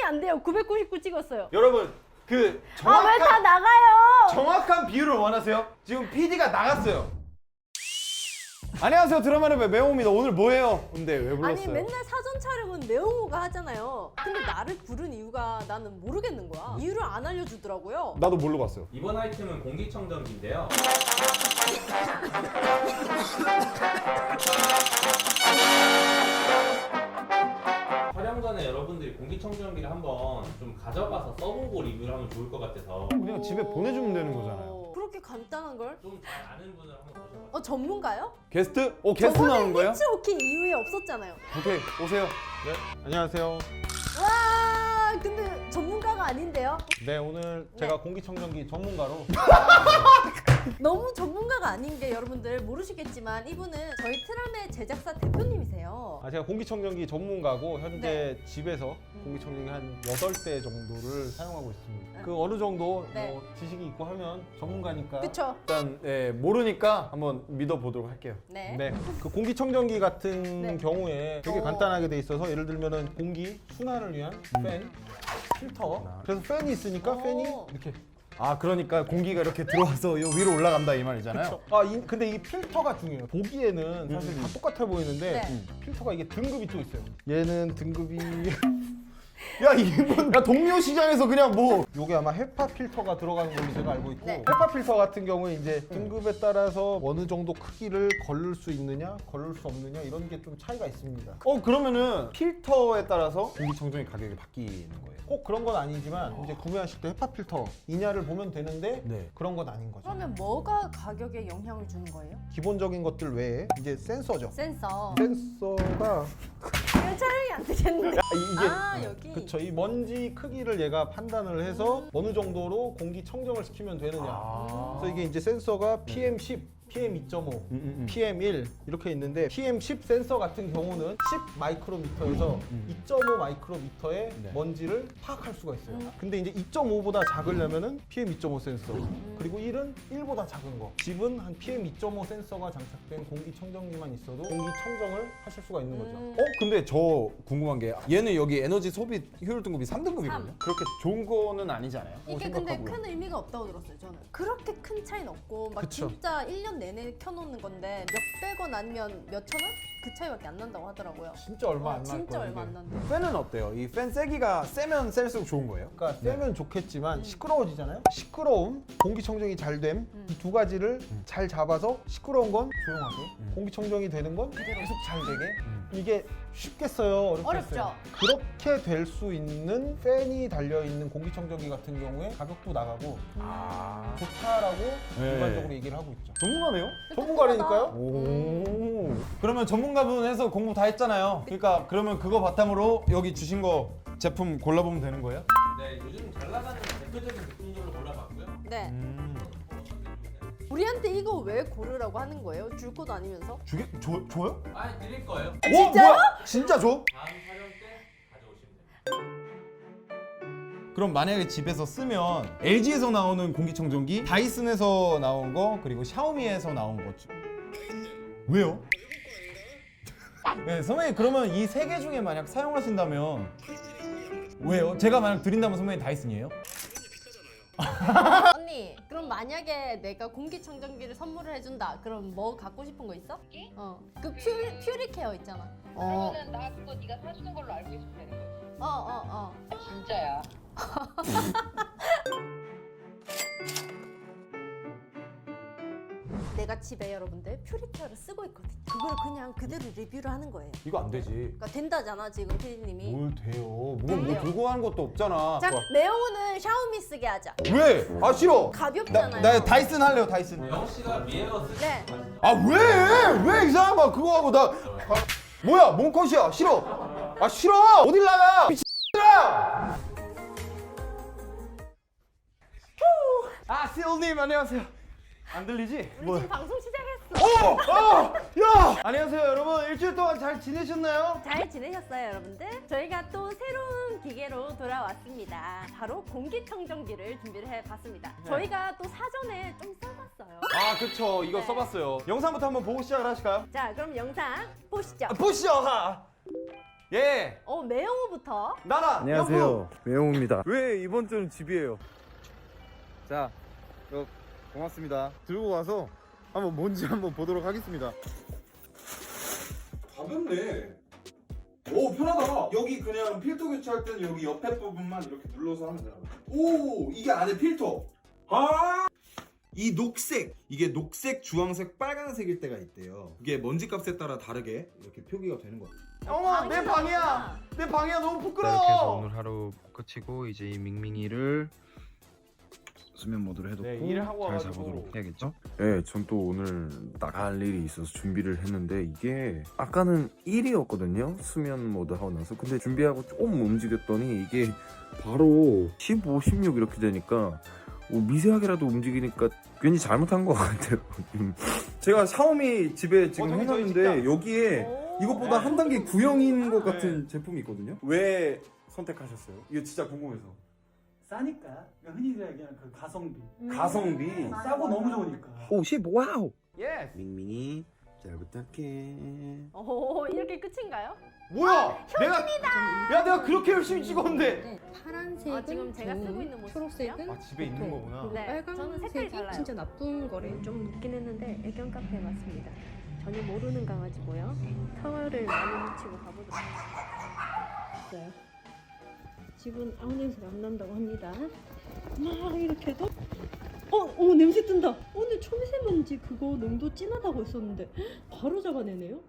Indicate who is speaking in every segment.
Speaker 1: 안 돼요. 999 찍었어요.
Speaker 2: 여러분 그
Speaker 1: 왜
Speaker 2: 정확한
Speaker 1: 다 나가요?
Speaker 2: 정확한 비율을 원하세요? 지금 PD가 나갔어요. 안녕하세요, 드라마의 매홍입니다. 오늘 뭐해요? 근데 왜 불렀어요?
Speaker 1: 아니 맨날 사전 촬영은 매홍우가 하잖아요. 근데 나를 부른 이유가 나는 모르겠는 거야. 이유를 안 알려주더라고요.
Speaker 2: 나도 모르고 왔어요.
Speaker 3: 이번 아이템은 공기청정기인데요. 촬영 전에 여러분들이 공기청정기를 한번 좀 가져가서 써보고 리뷰를 하면 좋을 것 같아서
Speaker 2: 그냥 집에 보내주면 되는 거잖아요.
Speaker 1: 그렇게 간단한 걸?
Speaker 3: 좀 잘 아는 분을 한번 모셔봤어요.
Speaker 1: 전문가요?
Speaker 2: 게스트? 게스트 나오는 거예요?
Speaker 1: 히츠오키 이후에 없었잖아요.
Speaker 2: 오케이, 오세요.
Speaker 4: 네, 안녕하세요.
Speaker 1: 와, 근데 전문가가 아닌데요?
Speaker 4: 네, 오늘 제가 공기청정기 전문가로
Speaker 1: 너무 전문가가 아닌 게 여러분들 모르시겠지만 이분은 저희 트람의 제작사 대표님이세요.
Speaker 4: 제가 공기청정기 전문가고 현재 집에서 공기청정기 한 8대 정도를 사용하고 있습니다. 그 어느 정도
Speaker 1: 네.
Speaker 4: 뭐 지식이 있고 하면 전문가니까.
Speaker 1: 그쵸?
Speaker 2: 일단 모르니까 한번 믿어보도록 할게요.
Speaker 1: 네.
Speaker 4: 네, 그 공기청정기 같은
Speaker 1: 네.
Speaker 4: 경우에 되게 간단하게 돼 있어서 예를 들면은 공기 순환을 위한 팬, 필터. 그래서 팬이 있으니까 팬이 이렇게.
Speaker 2: 아, 그러니까 공기가 이렇게 들어와서 요 위로 올라간다 이 말이잖아요.
Speaker 4: 근데 이 필터가 중요해요. 보기에는 사실 다 똑같아 보이는데
Speaker 1: 네.
Speaker 4: 필터가 이게 등급이 또 있어요. 얘는 등급이
Speaker 2: 야, 이분 야 동료 시장에서 그냥 뭐
Speaker 4: 요게 아마 헤파 필터가 들어가는 걸로 제가 알고 있고
Speaker 1: 네.
Speaker 4: 헤파 필터 같은 경우에 이제 등급에 따라서 어느 정도 크기를 걸을 수 있느냐 걸을 수 없느냐 이런 게 좀 차이가 있습니다.
Speaker 2: 그러면은 필터에 따라서 공기청정기 가격이 바뀌는 거예요.
Speaker 4: 꼭 그런 건 아니지만 이제 구매하실 때 헤파 필터 이냐를 보면 되는데
Speaker 2: 네.
Speaker 4: 그런 건 아닌 거죠.
Speaker 1: 그러면 뭐가 가격에 영향을 주는 거예요?
Speaker 4: 기본적인 것들 외에 이제 센서죠.
Speaker 1: 센서.
Speaker 4: 센서가
Speaker 1: 이거 촬영이 안 되겠는데.
Speaker 4: 이게
Speaker 1: 여기.
Speaker 4: 그쵸, 이 먼지 크기를 얘가 판단을 해서 어느 정도로 공기 청정을 시키면 되느냐. 그래서 이게 이제 센서가 PM10, PM2.5, PM1 이렇게 있는데 PM10 센서 같은 경우는 10 마이크로미터에서 2.5 마이크로미터의
Speaker 2: 네.
Speaker 4: 먼지를 파악할 수가 있어요. 근데 이제 2.5보다 작으려면은 PM2.5 센서, 그리고 1은 1보다 작은 거. 집은 한 PM2.5 센서가 장착된 공기청정기만 있어도 공기청정을 하실 수가 있는 거죠.
Speaker 2: 근데 저 궁금한 게 얘는 여기 에너지 소비 효율 등급이 3등급이거든요. 그렇게 좋은 거는 아니잖아요.
Speaker 1: 이게 근데
Speaker 2: 생각하고요.
Speaker 1: 큰 의미가 없다고 들었어요, 저는. 그렇게 큰 차이는 없고 막
Speaker 4: 그쵸.
Speaker 1: 진짜 1년 내내 켜놓는 건데 몇백 원 아니면 몇천 원? 그 차이밖에 안 난다고 하더라고요.
Speaker 4: 진짜 얼마 안 날 거예요.
Speaker 1: 진짜 얼마 안
Speaker 4: 이게.
Speaker 1: 난대.
Speaker 2: 팬은 어때요? 이 팬 세기가 세면 셀수록 좋은 거예요?
Speaker 4: 그러니까 세면 좋겠지만 시끄러워지잖아요. 시끄러움, 공기청정이 잘 됨, 이 두 가지를 잘 잡아서 시끄러운 건 조용하게, 공기청정이 되는 건 계속 잘 되게. 이게 쉽겠어요, 어렵겠어요?
Speaker 1: 어렵죠.
Speaker 4: 그렇게 될 수 있는 팬이 달려 있는 공기청정기 같은 경우에 가격도 나가고 좋다라고
Speaker 2: 네.
Speaker 4: 일반적으로 얘기를 하고 있죠.
Speaker 2: 전문가네요?
Speaker 4: 전문가라니까요?
Speaker 2: 오. 그러면 전문가분 해서 공부 다 했잖아요. 그러니까 그러면 그거 바탕으로 여기 주신 거 제품 골라보면 되는 거예요?
Speaker 3: 네, 요즘 잘 나가는 대표적인 제품들로 골라봤고요.
Speaker 1: 네. 우리한테 이거 왜 고르라고 하는 거예요? 줄 것도 아니면서?
Speaker 2: 줘요?
Speaker 3: 아, 드릴 거예요.
Speaker 1: 진짜요?
Speaker 2: 뭐야? 진짜 줘?
Speaker 3: 다음 촬영 때 가져오시면 돼요.
Speaker 2: 그럼 만약에 집에서 쓰면 LG에서 나오는 공기청정기, 다이슨에서 나온 거, 그리고 샤오미에서 나온 거. 왜요? 네, 선배님 그러면 이 세 개 중에 만약 사용하신다면 왜요? 제가 만약 드린다면 선배님 다이슨이에요?
Speaker 1: 언니, 그럼 만약에 내가 공기청정기를 선물을 해준다. 그럼 뭐 갖고 싶은 거 있어? 그 퓨리케어 있잖아.
Speaker 5: 그러면은 나 그거 네가 사주는 걸로 알고 있으면 되는 거지. 진짜야.
Speaker 1: 내가 집에 여러분들 퓨리케어를 쓰고 있거든요. 그걸 그냥 그대로 리뷰를 하는 거예요.
Speaker 2: 이거 안 되지.
Speaker 1: 그러니까 된다잖아 지금 피디님이.
Speaker 2: 뭘 돼요? 뭐
Speaker 1: 돼요.
Speaker 2: 들고 가는 것도 없잖아.
Speaker 1: 자, 매형우는 샤오미 쓰게 하자.
Speaker 2: 왜? 아 싫어.
Speaker 1: 가볍잖아요.
Speaker 2: 나 다이슨 할래요, 다이슨.
Speaker 3: 영호 씨가 미에어 쓰시
Speaker 1: 네.
Speaker 2: 아 왜? 왜 이상한 그거 하고 나 뭐야? 몸컷이야. 싫어. 아 싫어. 어딜 나가? 미친아. 아 실님 안녕하세요. 안 들리지?
Speaker 1: 우리 지금 방송 시작했어.
Speaker 2: 야! 안녕하세요 여러분. 일주일 동안 잘 지내셨나요?
Speaker 1: 잘 지내셨어요 여러분들? 저희가 또 새로운 기계로 돌아왔습니다. 바로 공기청정기를 준비를 해봤습니다. 저희가 또 사전에 좀 써봤어요.
Speaker 2: 아 그쵸. 이거
Speaker 1: 네.
Speaker 2: 써봤어요. 영상부터 한번 보고 시작을 하실까요?
Speaker 1: 자, 그럼 영상 보시죠.
Speaker 2: 보시죠.
Speaker 4: 예.
Speaker 1: 매영호부터.
Speaker 4: 나라.
Speaker 6: 안녕하세요. 매용입니다. 왜 이번 주는 집이에요? 자, 고맙습니다. 들고 와서 한번 뭔지 한번 보도록 하겠습니다. 가볍네. 오, 편하다. 여기 그냥 필터 교체할 때는 여기 옆에 부분만 이렇게 눌러서 하면 되나 봐. 오, 이게 안에 필터. 아! 이 녹색, 이게 녹색, 주황색, 빨간색일 때가 있대요. 이게 먼지 값에 따라 다르게 이렇게 표기가 되는 거예요.
Speaker 4: 어머, 내 방이야. 내 방이야. 너무
Speaker 7: 이렇게 해서
Speaker 4: 부끄러워.
Speaker 7: 오늘 하루 끝이고 이제 이 밍밍이를 수면 모드로 해놓고
Speaker 4: 네, 일을 하고
Speaker 7: 잘
Speaker 4: 와가지고.
Speaker 7: 자보도록 해야겠죠?
Speaker 6: 네, 전 또 오늘 나갈 일이 있어서 준비를 했는데 이게 아까는 1이었거든요. 수면 모드 하고 나서. 근데 준비하고 조금 움직였더니 이게 바로 15, 16 이렇게 되니까 미세하게라도 움직이니까 괜히 잘못한 것 같아요. 제가 샤오미 집에 지금
Speaker 4: 저기
Speaker 6: 해놨는데
Speaker 4: 진짜.
Speaker 6: 여기에
Speaker 1: 오.
Speaker 6: 이것보다 한 단계 구형인 것
Speaker 4: 네.
Speaker 6: 같은 제품이 있거든요. 왜 선택하셨어요? 이거 진짜 궁금해서.
Speaker 8: 싸니까 그러니까 흔히들 얘기하는 그 가성비
Speaker 6: 가성비.
Speaker 8: 싸고 너무 좋으니까
Speaker 6: 50, 와우.
Speaker 4: 예.
Speaker 6: 밍밍이 잘 부탁해.
Speaker 1: 이렇게 끝인가요?
Speaker 4: 뭐야? 내가 그렇게 열심히 찍었는데.
Speaker 9: 파란색은
Speaker 1: 지금 제가 쓰고
Speaker 9: 좋은,
Speaker 1: 있는 모습이요?
Speaker 9: 초록색은
Speaker 4: 아, 집에 있는 거구나.
Speaker 1: 네, 저는 색깔이
Speaker 9: 빨간색이
Speaker 1: 달라요.
Speaker 9: 진짜 나쁜 거래요.
Speaker 1: 좀 늦긴 했는데 애견 카페에 왔습니다. 전혀 모르는 강아지고요. 타월을 많이 묻히고 가보도록 하겠어요. 집은 아무 냄새가 안 난다고 합니다. 막 이렇게 해도 냄새 뜬다. 오늘 초미세먼지 그거 농도 진하다고 했었는데 바로 잡아내네요.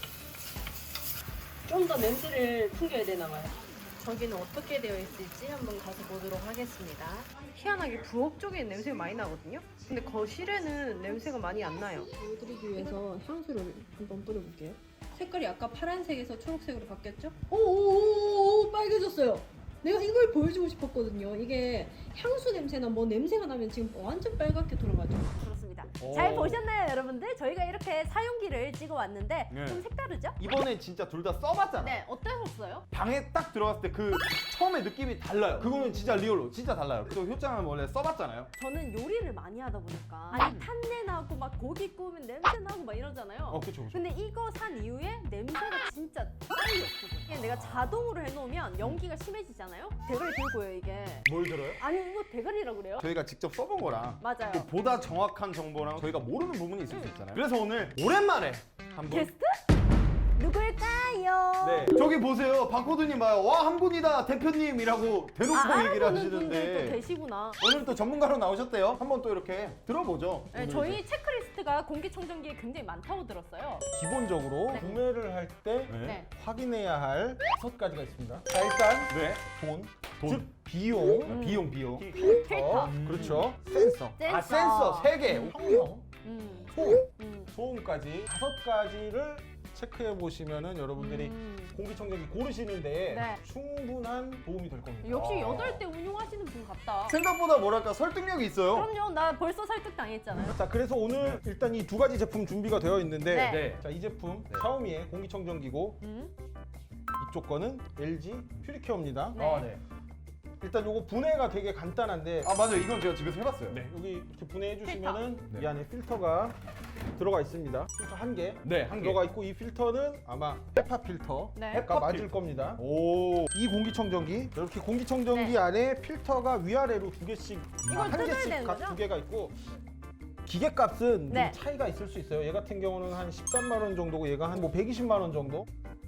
Speaker 1: 좀 더 냄새를 풍겨야 되나 봐요. 저기는 어떻게 되어 있을지 한번 가서 보도록 하겠습니다. 희한하게 부엌 쪽에 냄새가 많이 나거든요. 근데 거실에는 냄새가 많이 안 나요. 보여드리기 위해서 향수를 한번 뿌려볼게요. 색깔이 아까 파란색에서 초록색으로 바뀌었죠? 오, 빨개졌어요. 내가 이걸 보여주고 싶었거든요. 이게 향수 냄새나 뭐 냄새가 나면 지금 완전 빨갛게 돌아가죠. 그렇습니다.
Speaker 4: 오.
Speaker 1: 잘 보셨나요, 여러분들? 저희가 이렇게 사용기를 찍어 왔는데
Speaker 4: 네.
Speaker 1: 좀 색다르죠?
Speaker 4: 이번에 진짜 둘 다 써봤잖아.
Speaker 1: 네, 어떠셨어요?
Speaker 4: 방에 딱 들어갔을 때 그 처음에 느낌이 달라요. 그거는 진짜 리얼로 진짜 달라요. 또 효장은 원래 써봤잖아요.
Speaker 1: 저는 요리를 많이 하다 보니까 아니 탄내 나고 막 고기 구우면 냄새 나고 막 이러잖아요.
Speaker 4: 그쵸.
Speaker 1: 근데 이거 산 이후에 냄새가 진짜 빨리 없어져. 이게 내가 자동으로 해놓으면 연기가 심해지잖아요. 대가리 들고요 이게.
Speaker 4: 뭘 들어요?
Speaker 1: 아니 이거 대가리라고 그래요?
Speaker 4: 저희가 직접 써본 거랑
Speaker 1: 맞아요.
Speaker 4: 또 보다 정확한 정보랑 저희가 모르는 부분이 있을 수 있잖아요. 그래서 오늘 오랜만에 한번
Speaker 1: 게스트? 누굴까요?
Speaker 4: 네 저기 보세요. 박호두님 봐요. 와 한 분이다 대표님이라고 대놓고 얘기를
Speaker 1: 알아보는 분들도
Speaker 4: 하시는데
Speaker 1: 계시구나.
Speaker 4: 오늘 또 전문가로 나오셨대요. 한번 또 이렇게 들어보죠.
Speaker 1: 네, 저희 체크리스트가 공기청정기에 굉장히 많다고 들었어요.
Speaker 4: 기본적으로
Speaker 1: 네.
Speaker 4: 구매를 할 때
Speaker 1: 네.
Speaker 4: 확인해야 할 5가지가 있습니다. 자 일단 돈. 즉 비용, 비용.
Speaker 1: 필터.
Speaker 4: 그렇죠. 센서.
Speaker 1: 센서.
Speaker 4: 센서 3개. 형용, 소음,
Speaker 1: 음.
Speaker 4: 소음까지 5가지를 체크해 보시면은 여러분들이 공기청정기 고르시는데
Speaker 1: 네.
Speaker 4: 충분한 도움이 될 겁니다.
Speaker 1: 역시 8대 운용하시는 분 같다.
Speaker 4: 생각보다 뭐랄까 설득력이 있어요.
Speaker 1: 그럼요. 나 벌써 설득 당했잖아요.
Speaker 4: 자 그래서 오늘 일단 이 2가지 제품 준비가 되어 있는데
Speaker 1: 네.
Speaker 4: 자 이 제품 샤오미의 공기청정기고 이쪽 거는 LG 퓨리케어입니다.
Speaker 1: 네.
Speaker 4: 일단 요거 분해가 되게 간단한데
Speaker 2: 맞아요. 이건 제가 집에서 해봤어요.
Speaker 4: 네, 여기 이렇게 분해해 주시면은
Speaker 2: 필터.
Speaker 4: 이 안에 필터가 들어가 있습니다. 필터 한 개
Speaker 2: 네, 한 개.
Speaker 4: 들어가 있고 이 필터는 아마 헤파 필터가
Speaker 1: 네.
Speaker 4: 맞을 겁니다.
Speaker 2: 오.
Speaker 4: 이 공기청정기 이렇게 공기청정기
Speaker 1: 네.
Speaker 4: 안에 필터가 위아래로 2개씩
Speaker 1: 이걸
Speaker 4: 한
Speaker 1: 뜯어야
Speaker 4: 개씩
Speaker 1: 되는
Speaker 4: 각
Speaker 1: 거죠?
Speaker 4: 2개가 있고 기계값은
Speaker 1: 네.
Speaker 4: 좀 차이가 있을 수 있어요. 얘 같은 경우는 한 13만 원 정도고 얘가 한 뭐 120만 원 정도.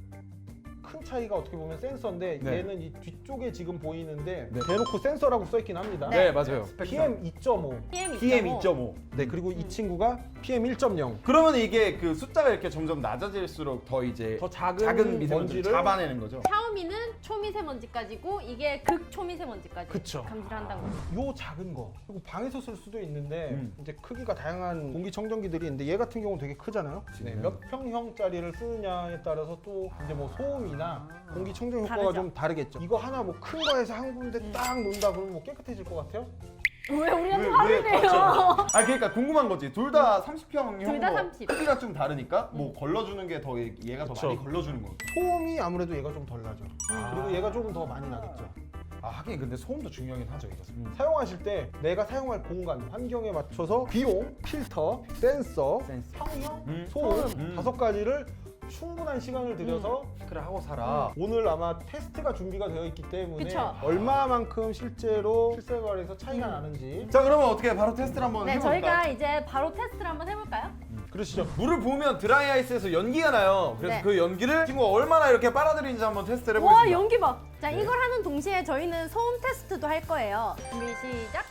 Speaker 4: 큰 차이가 어떻게 보면 센서인데
Speaker 2: 네.
Speaker 4: 얘는 이 뒤쪽에 지금 보이는데
Speaker 2: 네.
Speaker 4: 대놓고 센서라고 써 있긴 합니다.
Speaker 2: 네, 맞아요.
Speaker 4: PM 2.5.
Speaker 2: PM 2.5.
Speaker 4: 네, 그리고 이 친구가 PM 1.0.
Speaker 2: 그러면 이게 그 숫자가 이렇게 점점 낮아질수록 더 이제
Speaker 4: 더 작은
Speaker 2: 미세먼지를
Speaker 4: 먼지를
Speaker 2: 잡아내는 거죠.
Speaker 1: 샤오미는 초미세먼지까지고 이게 극초미세먼지까지
Speaker 4: 그쵸.
Speaker 1: 감지한다고.
Speaker 4: 요 작은 거. 그리고 방에서 쓸 수도 있는데
Speaker 2: 음.
Speaker 4: 이제 크기가 다양한 공기청정기들이 있는데 얘 같은 경우는 되게 크잖아요. 네, 몇 평형짜리를 쓰느냐에 따라서 또 이제 뭐 소음이나 공기청정 효과가
Speaker 1: 다르죠.
Speaker 4: 좀 다르겠죠. 이거 하나 뭐 큰 거에서 한 군데 딱 놓는다 그러면 뭐 깨끗해질 것 같아요?
Speaker 1: 왜 우리한테 화를 내요?
Speaker 2: 그러니까 궁금한 거지. 둘 다 30평형
Speaker 1: 둘다 30.
Speaker 2: 크기가 좀 다르니까 뭐 걸러주는 게 더 얘가 더
Speaker 4: 그쵸.
Speaker 2: 많이 걸러주는 거.
Speaker 4: 소음이 아무래도 얘가 좀 덜 나죠. 그리고 얘가 조금 더 많이 나겠죠.
Speaker 2: 하긴 근데 소음도 중요하긴 하죠, 이거.
Speaker 4: 사용하실 때 내가 사용할 공간, 환경에 맞춰서 비용, 필터, 센서,
Speaker 2: 센스.
Speaker 4: 형용,
Speaker 2: 음.
Speaker 4: 소음
Speaker 2: 음.
Speaker 4: 5가지를 충분한 시간을 들여서 그래 하고 살아. 오늘 아마 테스트가 준비가 되어 있기 때문에
Speaker 1: 그쵸.
Speaker 4: 얼마만큼 실제로 실생활에서 차이가 나는지.
Speaker 2: 자 그러면 어떻게 바로 테스트를 한번
Speaker 1: 네,
Speaker 2: 해볼까요?
Speaker 1: 저희가 이제 바로 테스트를 한번 해볼까요?
Speaker 4: 그러시죠.
Speaker 2: 물을 부으면 드라이 아이스에서 연기가 나요. 그래서
Speaker 1: 네.
Speaker 2: 그 연기를 친구가 얼마나 이렇게 빨아들이는지 한번 테스트를
Speaker 1: 와,
Speaker 2: 해보겠습니다.
Speaker 1: 연기 봐. 자, 이걸 하는 동시에 저희는 소음 테스트도 할 거예요. 준비 시작.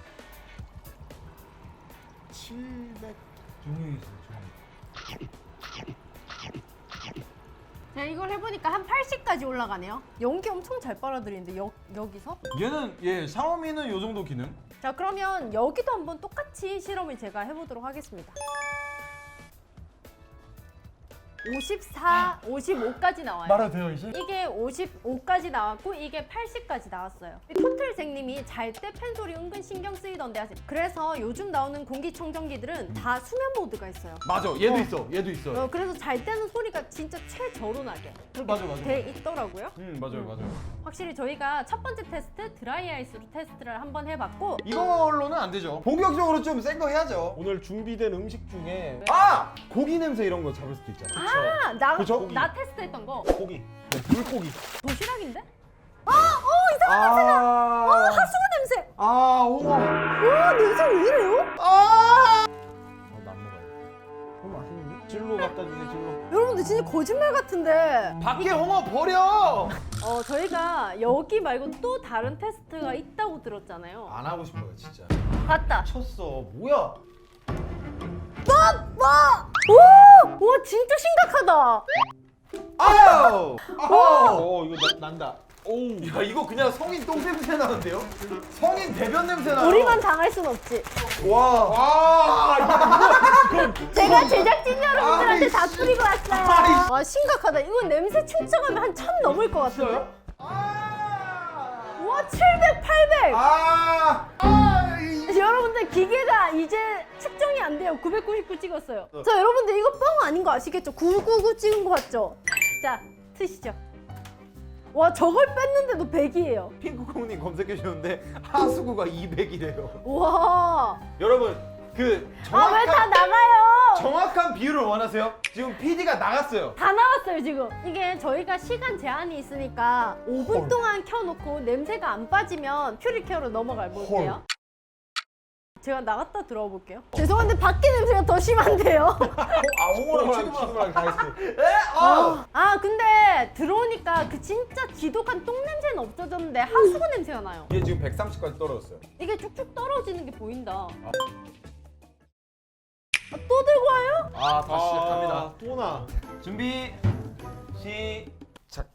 Speaker 4: 700.
Speaker 2: 조용히 있어요.
Speaker 1: 자, 이걸 해보니까 한 80까지 올라가네요. 연기 엄청 잘 빨아들이는데 여기서?
Speaker 2: 얘는 샤오미는 요 정도 기능.
Speaker 1: 자, 그러면 여기도 한번 똑같이 실험을 제가 해보도록 하겠습니다. 54, 55까지 나와요.
Speaker 2: 말해도 돼요 이제?
Speaker 1: 이게 55까지 나왔고 이게 80까지 나왔어요. 토틀생님이 잘 때 팬소리 은근 신경 쓰이던데 하세요. 그래서 요즘 나오는 공기청정기들은 다 수면 모드가 있어요.
Speaker 2: 맞아. 얘도 있어. 얘도 있어.
Speaker 1: 그래서 잘 때는 소리가 진짜 최저론하게 그렇게
Speaker 2: 맞아.
Speaker 1: 돼 있더라고요.
Speaker 2: 맞아요.
Speaker 1: 확실히 저희가 첫 번째 테스트 드라이 아이스로 테스트를 한번 해봤고
Speaker 2: 이걸로는 안 되죠. 본격적으로 좀 센 거 해야죠.
Speaker 4: 오늘 준비된 음식 중에
Speaker 2: 아! 고기 냄새 이런 거 잡을 수도 있잖아. 그쵸?
Speaker 1: 나 테스트했던 거
Speaker 4: 고기, 물고기.
Speaker 1: 도시락인데?
Speaker 2: 이상한 냄새나.
Speaker 1: 하수구 냄새!
Speaker 2: 우와.
Speaker 1: 와, 냄새 왜 이래요?
Speaker 4: 나안 먹어요. 너무 맛있는데? 진로 갖다 주세요, 진로.
Speaker 1: 여러분들 진짜 거짓말 같은데
Speaker 2: 밖에 홍어 버려.
Speaker 1: 저희가 여기 말고 또 다른 테스트가 있다고 들었잖아요.
Speaker 2: 안 하고 싶어요, 진짜.
Speaker 1: 봤다.
Speaker 2: 쳤어. 뭐야?
Speaker 1: 와, 진짜 심각하다.
Speaker 2: 아우!
Speaker 4: 이거 난다.
Speaker 2: 야, 이거 그냥 성인 똥 냄새 나는데요? 성인 대변 냄새 나요.
Speaker 1: 우리만 당할 순 없지.
Speaker 2: 와.
Speaker 1: 제가 제작진 여러분들한테 다
Speaker 2: 아이씨.
Speaker 1: 뿌리고 왔어요. 와, 심각하다. 이건 냄새 측정하면 한 1000 넘을 것 같은데? 와, 700, 800. 여러분들 기계가 이제 측정이 안 돼요. 999 찍었어요. 자, 여러분들 이거 뻥 아닌 거 아시겠죠? 999 찍은 거 맞죠? 자, 트시죠. 와, 저걸 뺐는데도 100이에요.
Speaker 2: 핑크콩님 검색해 주셨는데 하수구가 200이래요.
Speaker 1: 와.
Speaker 2: 여러분, 그
Speaker 1: 왜 다
Speaker 2: 정확한
Speaker 1: 나가요?
Speaker 2: 정확한 비율을 원하세요? 지금 PD가 나갔어요.
Speaker 1: 다 나왔어요, 지금. 이게 저희가 시간 제한이 있으니까 5분 동안 켜놓고 냄새가 안 빠지면 퓨리케어로 넘어가 볼게요. 제가 나갔다 들어와 볼게요. 죄송한데 밖에 냄새가 더 심한데요.
Speaker 2: 홍어랑
Speaker 4: 취두부랑 다 했어.
Speaker 1: 근데 들어오니까 그 진짜 지독한 똥 냄새는 없어졌는데 하수구 냄새가 나요.
Speaker 2: 얘 지금 130까지 떨어졌어요.
Speaker 1: 이게 쭉쭉 떨어지는 게 보인다. 또 들고 와요?
Speaker 2: 다시 시작합니다.
Speaker 4: 또 나.
Speaker 2: 준비 시작.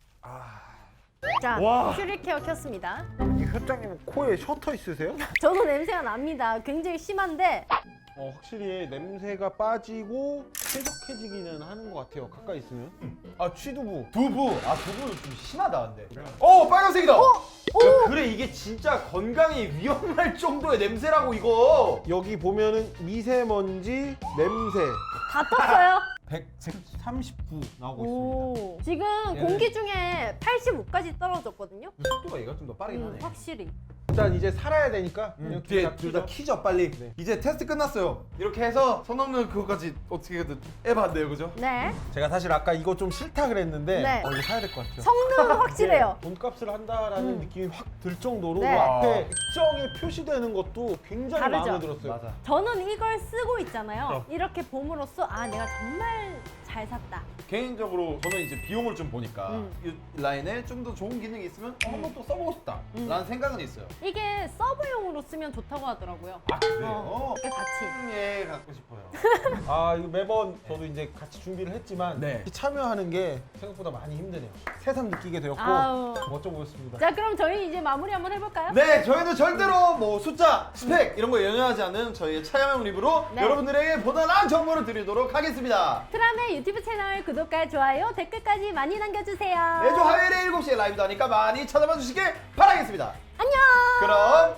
Speaker 1: 자,
Speaker 4: 와.
Speaker 1: 퓨리케어 켰습니다.
Speaker 4: 회장님 코에 셔터 있으세요?
Speaker 1: 저도 냄새가 납니다. 굉장히 심한데
Speaker 4: 확실히 냄새가 빠지고 쾌적해지기는 하는 것 같아요. 가까이 있으면. 취두부.
Speaker 2: 두부는 좀 심하다 근데. 빨간색이다. 야, 그래 이게 진짜 건강에 위험할 정도의 냄새라고 이거.
Speaker 4: 여기 보면은 미세먼지, 냄새.
Speaker 1: 다 떴어요.
Speaker 4: 139 나오고
Speaker 1: 오, 지금 공기 중에 85까지 떨어졌거든요.
Speaker 2: 속도가 얘가 좀 더 빠르긴 하네.
Speaker 1: 확실히.
Speaker 4: 일단 이제 살아야 되니까 그냥
Speaker 2: 뒤에 둘 다 키죠 빨리.
Speaker 4: 네.
Speaker 2: 이제 테스트 끝났어요. 이렇게 해서 손 없는 그거까지 어떻게든 해봤네요, 그죠?
Speaker 1: 네.
Speaker 4: 제가 사실 아까 이거 좀 싫다 그랬는데
Speaker 1: 네.
Speaker 4: 이거 사야 될 것 같아요.
Speaker 1: 성능은 확실해요.
Speaker 4: 돈값을 한다라는 느낌이 확 들 정도로
Speaker 1: 네.
Speaker 4: 앞에 액정이 표시되는 것도 굉장히
Speaker 1: 다르죠?
Speaker 4: 마음에 들었어요.
Speaker 2: 맞아.
Speaker 1: 저는 이걸 쓰고 있잖아요. 이렇게 봄으로써 내가 정말 잘 샀다.
Speaker 2: 개인적으로 저는 이제 비용을 좀 보니까 이 라인에 좀 더 좋은 기능이 있으면 한번 또 써보고 싶다 라는 생각은 있어요.
Speaker 1: 이게 서브용으로 쓰면 좋다고 하더라고요.
Speaker 2: 그래요?
Speaker 1: 이렇게 같이.
Speaker 2: 예, 갖고 싶어요.
Speaker 4: 이거 매번 저도 이제 같이 준비를 했지만
Speaker 2: 네.
Speaker 4: 참여하는 게 생각보다 많이 힘드네요. 새삼 느끼게 되었고
Speaker 1: 아우.
Speaker 4: 멋져 보였습니다.
Speaker 1: 자, 그럼 저희 이제 마무리 한번 해볼까요?
Speaker 2: 네, 저희는 절대로 뭐 숫자, 스펙 이런 거 연연하지 않는 저희의 차야명 리뷰로
Speaker 1: 네.
Speaker 2: 여러분들에게 보다 나은 정보를 드리도록 하겠습니다.
Speaker 1: 트람의 유튜브 채널 구독과 좋아요, 댓글까지 많이 남겨주세요.
Speaker 2: 매주 화요일에 7시에 라이브도 하니까 많이 찾아봐 주시길 바라겠습니다.
Speaker 1: 안녕.
Speaker 2: 그럼